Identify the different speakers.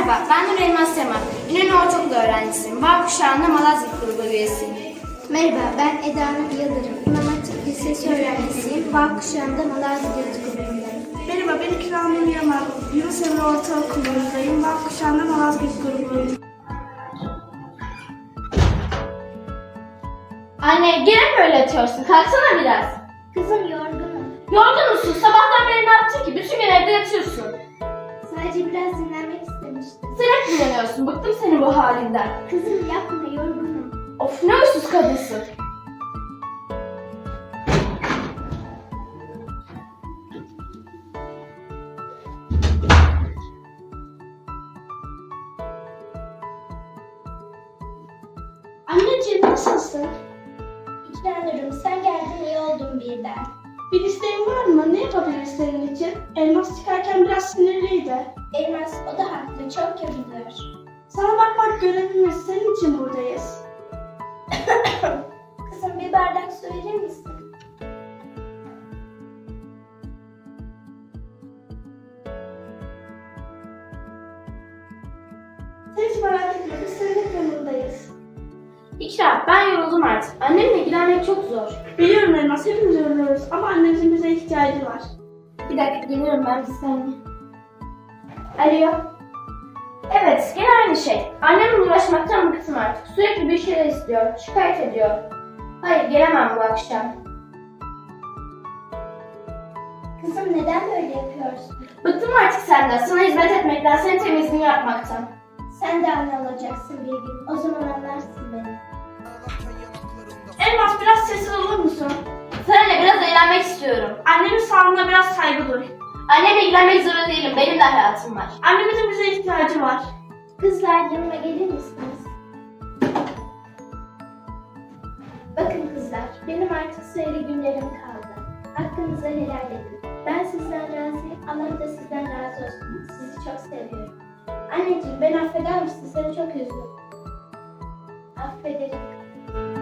Speaker 1: Merhaba, ben Nur Elmas Sema. İnönü Ortaokulu öğrencisiyim. Bağ kuşağında Malazgirt grubu üyesiyim.
Speaker 2: Merhaba, ben Eda Nur Yıldırım. İmam Hatip Lisesi öğrencisiyim. Bağ kuşağında Malazgirt grubundayım.
Speaker 3: Merhaba, ben İkram Nur Yaman. Yunus Emre Ortaokulu'ndayım. Bağ kuşağında Malazgirt grubundayım.
Speaker 1: Anne, gene mi öyle yatıyorsun? Kalksana biraz.
Speaker 2: Kızım yorgunum.
Speaker 1: Yorgun musun? Sabahtan beri ne yaptın ki? Bütün gün evde yatıyorsun.
Speaker 2: Sadece biraz dinlenmek istemiştim.
Speaker 1: Sen hep dinleniyorsun. Bıktım senin bu halinden.
Speaker 2: Kızım yapma, yorgunum.
Speaker 1: Of, ne uysuz kadınsın.
Speaker 3: Anneciğim nasılsın?
Speaker 2: İkranırım, sen geldin iyi oldum birden.
Speaker 3: Bir isteğin var mı? Ne yapabiliriz senin için? Elmas çıkarken biraz sinirliydi.
Speaker 2: Elmas, o da haklı, çok yapılır.
Speaker 3: Sana bakmak görevimiz. Senin için buradayız.
Speaker 2: Kızım bir bardak su verir misin?
Speaker 3: Sen hiç merak etme. Biz senin hep yanındayız.
Speaker 1: İkram, ben yoruldum artık. Annemle ilgilenmek çok zor.
Speaker 3: Biliyorum Elmas. Hepimiz yoruluyoruz. Ama annemizin bize ihtiyacı var.
Speaker 1: Bir dakika, geliyorum ben bir saniye. Alo. Evet, gene aynı şey. Annemle uğraşmaktan bıktım artık. Sürekli bir şeyler istiyor, şikayet ediyor. Hayır, gelemem bu akşam.
Speaker 2: Kızım neden böyle yapıyorsun?
Speaker 1: Bıktım artık senden, sana hizmet etmekten, senin temizliğini yapmaktan.
Speaker 2: Sen de anne olacaksın bir gün. O zaman anlarsın beni.
Speaker 3: Elmas biraz sessiz olur musun?
Speaker 1: Seninle biraz eğlenmek istiyorum.
Speaker 3: Annemin sağlığına biraz saygı duy.
Speaker 1: Annemle ilgilenmek zorunda değilim, benim de hayatım var.
Speaker 3: Annemizin bize ihtiyacı var.
Speaker 2: Kızlar yanıma gelir misiniz? Bakın kızlar, benim artık sayılı günlerim kaldı. Hakkınızı helal edin. Ben sizden razıyım, Allah da sizden razı olsun. Sizi çok seviyorum. Anneciğim, beni affeder misin? Seni çok üzdüm. Affederim.